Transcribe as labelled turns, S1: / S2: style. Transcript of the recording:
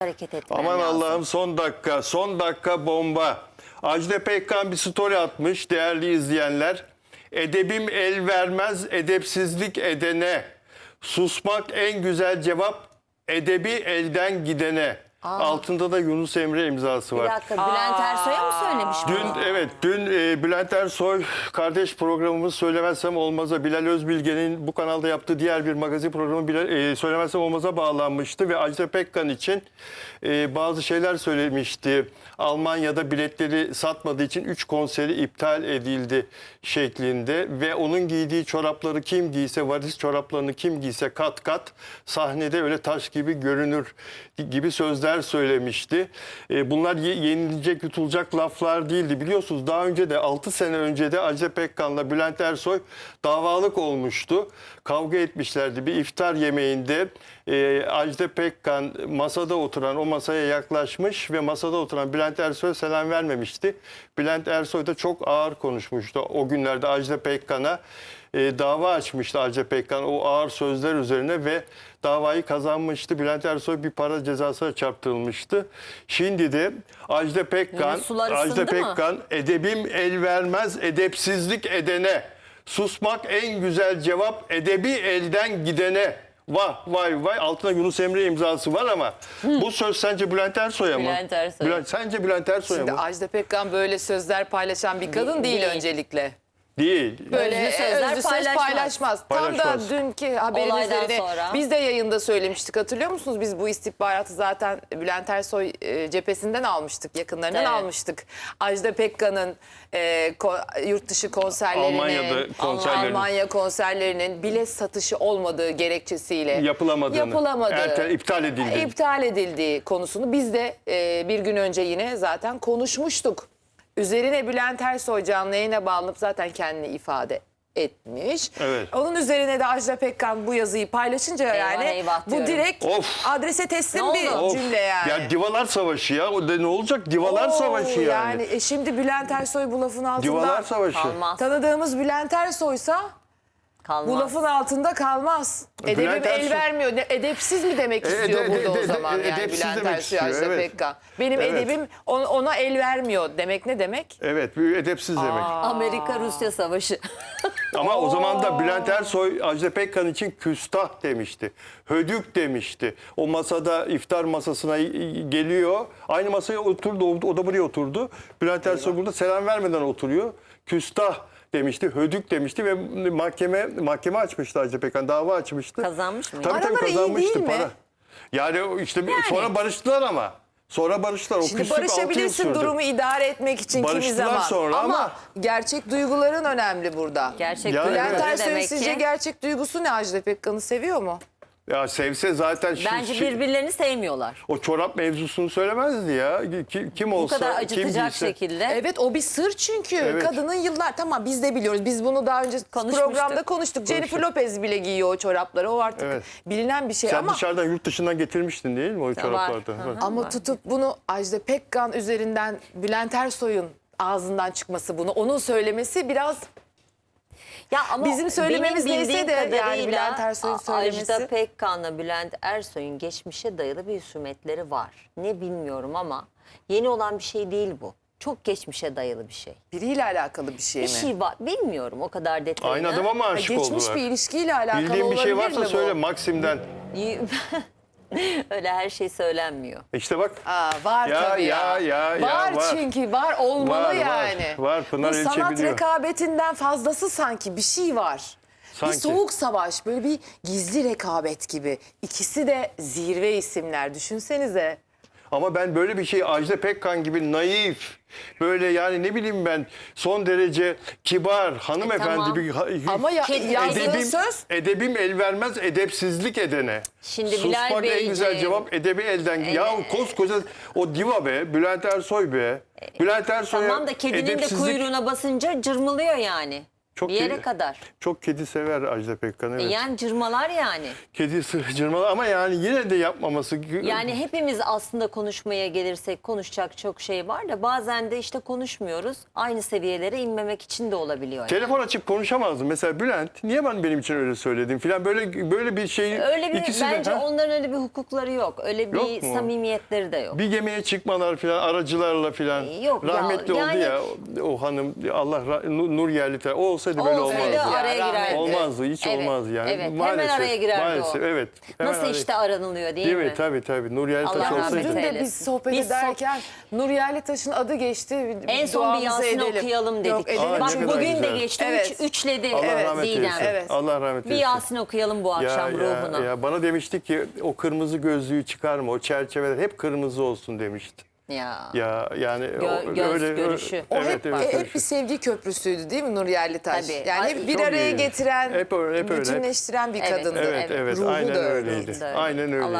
S1: hareket etmem
S2: Aman
S1: lazım.
S2: Allah'ım, son dakika bomba. Ajda Pekkan bir story atmış değerli izleyenler. Edebim el vermez edepsizlik edene. Susmak en güzel cevap edebi elden gidene. Altında da Yunus Emre imzası
S1: Bir
S2: var.
S1: dakika, Bülent Ersoy'a mı söylemiş bunu?
S2: Dün Bülent Ersoy kardeş programımız Söylemezsem Olmaz'a, Bilal Özbilge'nin bu kanalda yaptığı diğer bir magazin programı Söylemezsem Olmaz'a bağlanmıştı ve Ajda Pekkan için bazı şeyler söylemişti. Almanya'da biletleri satmadığı için 3 konseri iptal edildi şeklinde ve onun giydiği çorapları kim giyse, varis çoraplarını kim giyse kat kat sahnede öyle taş gibi görünür gibi sözler söylemişti. Bunlar yenilecek, yutulacak laflar değildi. Biliyorsunuz daha önce de 6 sene önce de Ajda Pekkan'la Bülent Ersoy davalık olmuştu. Kavga etmişlerdi. Bir iftar yemeğinde Ajda Pekkan masada oturan, o masaya yaklaşmış ve masada oturan Bülent Ersoy'a selam vermemişti. Bülent Ersoy da çok ağır konuşmuştu. O günlerde Ajda Pekkan'a dava açmıştı Ajda Pekkan o ağır sözler üzerine ve davayı kazanmıştı. Bülent Ersoy bir para cezasına çarptırılmıştı. Şimdi de Ajda Pekkan edebim el vermez edepsizlik edene. Susmak en güzel cevap edebi elden gidene. Vah vay vay, altına Yunus Emre imzası var ama bu söz sence Bülent Ersoy'a mı?
S1: Bülent Ersoy.
S2: Sence Bülent Ersoy'a
S3: Şimdi
S2: mı?
S3: Ajda Pekkan böyle sözler paylaşan bir kadın değil öncelikle.
S2: Değil.
S3: Böyle
S1: Özlü sözler
S3: özlü söz paylaşmaz. Tam da
S2: Paylaşmaz.
S3: dünkü haberin
S1: Olaydan
S3: üzerine
S1: sonra.
S3: biz de yayında söylemiştik, hatırlıyor musunuz? Biz bu istihbaratı zaten Bülent Ersoy cephesinden almıştık, yakınlarından
S1: Evet.
S3: almıştık. Ajda Pekkan'ın yurt dışı konserlerinin, Almanya konserlerinin bilet satışı olmadığı gerekçesiyle
S2: yapılamadı.
S3: iptal edildiği konusunu biz de bir gün önce yine zaten konuşmuştuk. Üzerine Bülent Ersoy canlı yayına bağlanıp zaten kendini ifade etmiş.
S2: Evet.
S3: Onun üzerine de Ajda Pekkan bu yazıyı paylaşınca
S1: eyvah
S3: bu
S1: diyorum.
S3: direkt adrese teslim
S1: Ne
S3: bir
S1: oldu?
S3: cümle yani.
S2: Ya divalar savaşı ya. O da ne olacak? Divalar savaşı yani.
S3: Şimdi Bülent Ersoy bu lafın altında
S2: Divalar savaşı.
S1: Kalmaz.
S3: tanıdığımız Bülent Ersoy'sa
S1: Kalmaz.
S3: bu lafın altında kalmaz. Edebim
S2: Bülent
S3: el
S2: Ersoy-
S3: vermiyor. Edepsiz mi demek istiyor burada o zaman yani
S2: edepsiz
S3: Bülent
S2: demek
S3: Ersoy,
S2: istiyor,
S3: Ajda
S2: evet.
S3: Pekkan. Benim
S2: Evet.
S3: edebim ona el vermiyor demek ne demek?
S2: Evet, edepsiz demek.
S1: Amerika-Rusya savaşı.
S2: Ama o zaman da Bülent Ersoy Ajda Pekkan için küstah demişti. Hödük demişti. O masada iftar masasına geliyor. Aynı masaya oturdu. O da buraya oturdu. Bülent Ersoy burada selam vermeden oturuyor. Küstah demişti, hödük demişti ve mahkeme açmıştı Ajda Pekkan, dava açmıştı.
S1: Kazanmış mı?
S2: Tabii
S3: Araları iyi
S2: kazanmıştı
S3: değil mi?
S2: para. Yani işte sonra barıştılar ama. Sonra barıştılar. O
S3: Şimdi
S2: küslük 6 yıl
S3: barışabilirsin
S2: sürdü.
S3: durumu idare etmek için kimi
S2: Barıştılar
S3: zaman.
S2: sonra ama-
S3: gerçek duyguların önemli burada.
S1: Gerçek
S2: Yani
S1: duygu
S3: Bülent
S2: evet.
S1: ne
S3: Ersoy'un
S1: demek
S3: sizce
S1: ki?
S3: gerçek duygusu ne? Ajda Pekkan'ı seviyor mu?
S2: Ya sevse zaten
S1: Bence birbirlerini sevmiyorlar.
S2: o çorap mevzusunu söylemezdi ya. Kim olsa,
S1: Bu kadar
S2: kim
S1: acıtacak
S2: giyse.
S1: şekilde.
S3: Evet, o bir sır çünkü.
S2: Evet.
S3: Kadının yıllar, tamam biz de biliyoruz. Biz bunu daha önce programda konuştuk. Jennifer Lopez bile giyiyor o çorapları. O artık
S2: Evet.
S3: bilinen bir şey
S2: Sen
S3: ama
S2: dışarıdan yurt dışından getirmiştin değil mi o çoraplardan?
S1: Hı hı.
S3: ama tutup bunu Ajda Pekkan üzerinden Bülent Ersoy'un ağzından çıkması, bunu onun söylemesi biraz
S1: Ya ama
S3: bizim söylememiz
S1: benim
S3: neyse
S1: bildiğim
S3: de yani
S1: kadarıyla
S3: Bülent Ersoy'un söylemesi.
S1: Ajda Pekkan'la Bülent Ersoy'un geçmişe dayalı bir husumetleri var. Ne bilmiyorum ama yeni olan bir şey değil bu. Çok geçmişe dayalı bir şey.
S3: biriyle alakalı bir şey mi?
S1: Bir şey var. Bilmiyorum o kadar detayını.
S2: Aynı adama mı aşık
S3: Geçmiş
S2: oldular?
S3: bir ilişkiyle alakalı
S2: Bildiğin bir şey
S3: olabilir
S2: varsa
S3: mi
S2: söyle
S3: bu?
S2: Maksim'den.
S1: Öyle her şey söylenmiyor.
S2: İşte bak.
S3: Var
S2: Ya,
S3: tabii ya.
S2: ya,
S3: var
S2: var.
S3: çünkü var, olmalı
S2: Var,
S3: yani.
S2: var. Pınar
S3: Bu
S2: Elçe
S3: sanat
S2: biliyor.
S3: rekabetinden fazlası sanki bir şey var.
S2: Sanki.
S3: Bir soğuk savaş, böyle bir gizli rekabet gibi. İkisi de zirve isimler, düşünsenize.
S2: Ama ben böyle bir şey Ajda Pekkan gibi naif, böyle yani ne bileyim ben son derece kibar, hanımefendi
S1: tamam.
S2: bir
S3: Ama yazdığı söz...
S2: edebim el vermez edepsizlik edene.
S1: Şimdi
S2: Susmak
S1: Bilal
S2: en
S1: Beyciğim,
S2: güzel cevap edebi elden. Ya koskoca o diva be, Bülent Ersoy be. Bülent Ersoy'a
S1: Tamam da kedinin de
S2: edepsizlik-
S1: kuyruğuna basınca cırmılıyor yani.
S2: Çok
S1: Bir yere kadar.
S2: Çok kedi sever Ajda Pekkan. Evet.
S1: Yani cırmalar yani.
S2: Kedi cırmalı ama yani yine de yapmaması.
S1: Yani hepimiz aslında konuşmaya gelirsek konuşacak çok şey var da bazen de işte konuşmuyoruz. Aynı seviyelere inmemek için de olabiliyor. Yani.
S2: Telefon açıp konuşamazdım. Mesela Bülent niye benim için öyle söyledin filan böyle bir şey.
S1: Öyle bir
S2: ikisi de,
S1: bence
S2: ha?
S1: onların öyle bir hukukları yok. Öyle bir
S2: Yok mu?
S1: samimiyetleri de yok.
S2: Bir gemiye çıkmalar filan aracılarla filan.
S1: Yok ya,
S2: Rahmetli oldu
S1: yani-
S2: ya o hanım Allah Nur Yerliter. O olsaydı böyle
S1: Olsaydı
S2: olmazdı.
S1: araya
S3: Ya,
S1: girerdi.
S2: Olmazdı, hiç
S1: Evet,
S2: olmazdı yani.
S1: Evet,
S2: Maalesef,
S1: hemen araya girerdi
S2: maalesef,
S1: o.
S2: evet. Hemen
S1: Nasıl
S2: araya-
S1: işte aranılıyor değil
S2: Değil
S1: mi?
S2: mi? Tabii. Nur Yerlitaş
S1: Allah rahmet
S2: olsaydı.
S3: Dün de
S1: eylesin.
S3: biz sohbet
S1: Biz
S3: ederken Nur Yerlitaş'ın adı geçti.
S1: En son bir
S3: Duamızı
S1: Yasin
S3: edelim.
S1: okuyalım dedik.
S3: Yok, edelim.
S2: Aa,
S1: Bak
S2: ne kadar
S1: bugün de
S2: güzel.
S1: geçti.
S3: Evet.
S1: Üçledi
S2: Allah rahmet
S1: Didem.
S2: eylesin.
S3: Evet.
S2: Allah rahmet
S1: Bir
S2: eylesin.
S1: Yasin okuyalım bu akşam ruhuna.
S2: Ya bana demişti ki o kırmızı gözlüğü çıkarma, o çerçeveler hep kırmızı olsun demişti. Ya yani
S1: göz
S2: öyle
S1: görüşü.
S3: O
S2: evet,
S3: hep,
S2: evet,
S3: hep bir sevgi köprüsüydü değil mi Nur Yerlitaş?
S1: Tabii.
S3: Yani
S1: Ay,
S3: hep bir
S2: çok
S3: araya
S2: iyi.
S3: getiren,
S2: Hep öyle, hep öyle.
S3: bütünleştiren bir
S1: Evet,
S3: kadındı.
S2: Evet,
S1: Evet,
S2: evet.
S3: Ruhu
S2: Aynen
S3: da
S2: öyleydi.
S3: öyleydi.
S2: Aynen öyleydi.